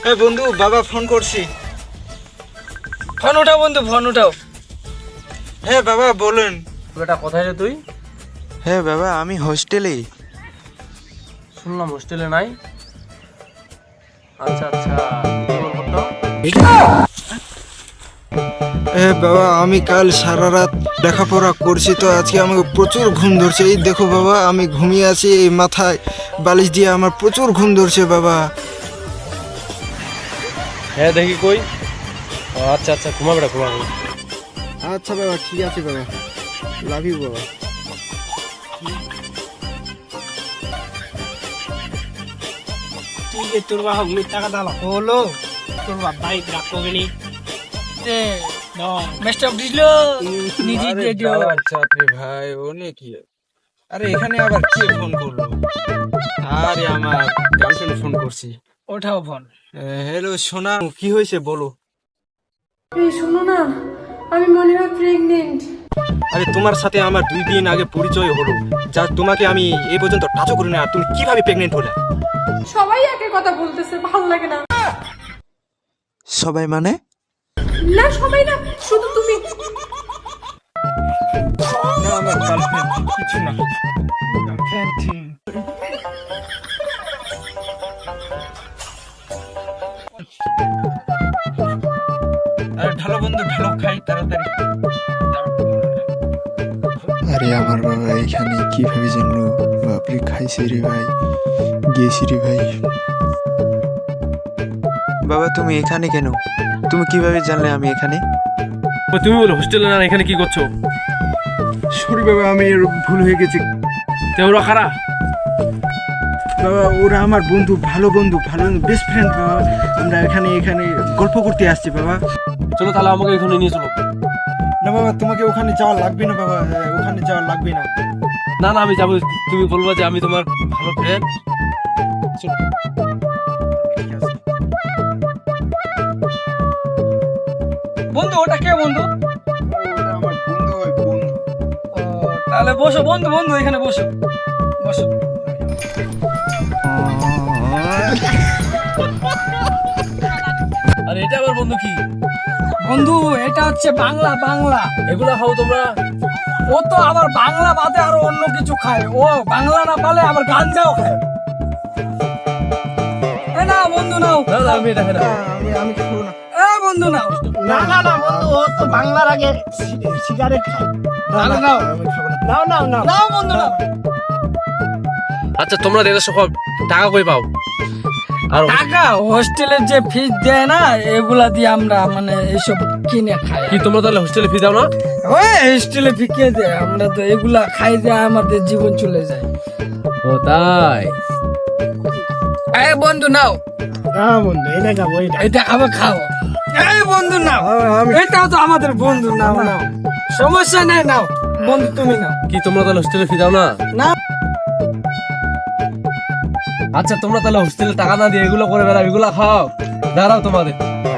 হ্যাঁ বন্ধু, বাবা ফোন করছি। ফোন উঠাও বন্ধু, ফোন উঠাও। হ্যাঁ বাবা বলুন। বেটা কোথায় রে তুই? হ্যাঁ বাবা, আমি হোস্টেলে। শুনলাম হোস্টেলে নাই। আচ্ছা আচ্ছা, কি বল করতো? হ্যাঁ বাবা, আমি কাল সারা রাত লেখাপড়া করছি, তো আজকে আমাকে প্রচুর ঘুম ধরছে। এই দেখো বাবা, আমি ঘুমিয়ে আছি, এই মাথায় বালিশ দিয়ে আমার প্রচুর ঘুম ধরছে বাবা। হ্যাঁ দেখি কই। ও আচ্ছা আচ্ছা, ঘুমা বেটা ঘুমা। আচ্ছা বাবা, ঠিক আছে বাবা, লাভ ইউ বাবা। ठीक है তোর বাবা মিথ্যা কথা হলো তোর বাবা বাইক রাখো গেনি তে নো মেস্ট অফ দিলো নিজে দিয়ে দিও। আচ্ছা আপনি ভাই ওনে কি? আরে এখানে আবার কে ফোন করলো? আরে আমার গার্লফ্রেন্ড ফোন করছি। ওঠাও ফোন। হ্যালো সোনা, কি হয়েছে বলো। এই শোনো না, আমি মনে হয় প্রেগনেন্ট। আরে তোমার সাথে আমার 2 দিন আগে পরিচয় হলো, যা তোমাকে আমি এই পর্যন্ত টাচও করি না, আর তুমি কিভাবে প্রেগনেন্ট হলে? সবাই একই কথা বলতেছে, ভালো লাগে না। সবাই মানে? না সবাই না, শুধু তুমি। না আমার গার্লফ্রেন্ড কিছু না। আরে ঢালো বন্ধু, ঢালো, খাই তাড়াতাড়ি। আরে আমার বাবা এখানে কিভাবে জানলো? বাপরে, খাইছে রে ভাই, গেছি রে ভাই। বাবা তুমি এখানে কেন? তুমি কিভাবে জানলে আমি এখানে? তুমি বলো হোস্টেলে না, এখানে কি করছো? সরি বাবা, আমি ভুল হয়ে গেছে তে ওরা কারা? বাবা। ওরা আমার বন্ধু, ভালো বেস্ট ফ্রেন্ড বাবা। আমরা এখানে গল্প করতে আসছি বাবা। চলো তাহলে আমাকে এখানে নিয়ে চলো। না বাবা, তোমাকে ওখানে যাওয়া লাগবে না বাবা, ওখানে যাওয়া লাগবে না। না না আমি যাবো, তুমি বলবো যে আমি তোমার ভালো ফ্রেন্ড। বন্ধু ওটা কে বন্ধু? ওটা আমার বন্ধু হয়, বন্ধু। ও, তাহলে বসো বন্ধু, এখানে বসো বসো। আরে এটা আবার বন্ধু কি? বন্ধু এটা হচ্ছে বাংলা। এগুলা খাও তোমরা? ও তো আবার বাংলা বাদে আরো অন্য কিছু খায়। ও বাংলা না পালে আবার গাঞ্জাও খায়। এ না বন্ধু নাও। না না আমি এটা খাই না। আমি খাবো না। এ বন্ধু নাও। না বন্ধু, ও তো বাংলার আগে সিগারেট খায়। নাও নাও আমি খাবো না। নাও বন্ধু নাও। আচ্ছা তোমরা দেড়শো টাকা কই পাও? আর টাকা হোস্টেলের যে ফিস দেয় না, এগুলা দিয়ে আমরা মানে এইসব কিনে খাই। কি তোমরা তাহলে হোস্টেলে ফি দাও না? ওই হোস্টেলে ফি কে দেয়? আমরা তো এগুলা খাই দিয়ে আমাদের জীবন চলে যায়। ও তাই? এই বন্ধু নাও। হ্যাঁ বন্ধু, এটা খাবো, এটা খাবে খাও। এই বন্ধু নাও, এটাও তো আমাদের বন্ধু। নাও নাও, সমস্যা নেই, নাও বন্ধু তুমি নাও। কি তোমরা তাহলে হোস্টেলে ফি দাও না? না আচ্ছা তোমরা তাহলে হোস্টেলে টাকা না দিয়ে এগুলো করে বেড়াও, এগুলা খাও। দাঁড়াও তোমাদের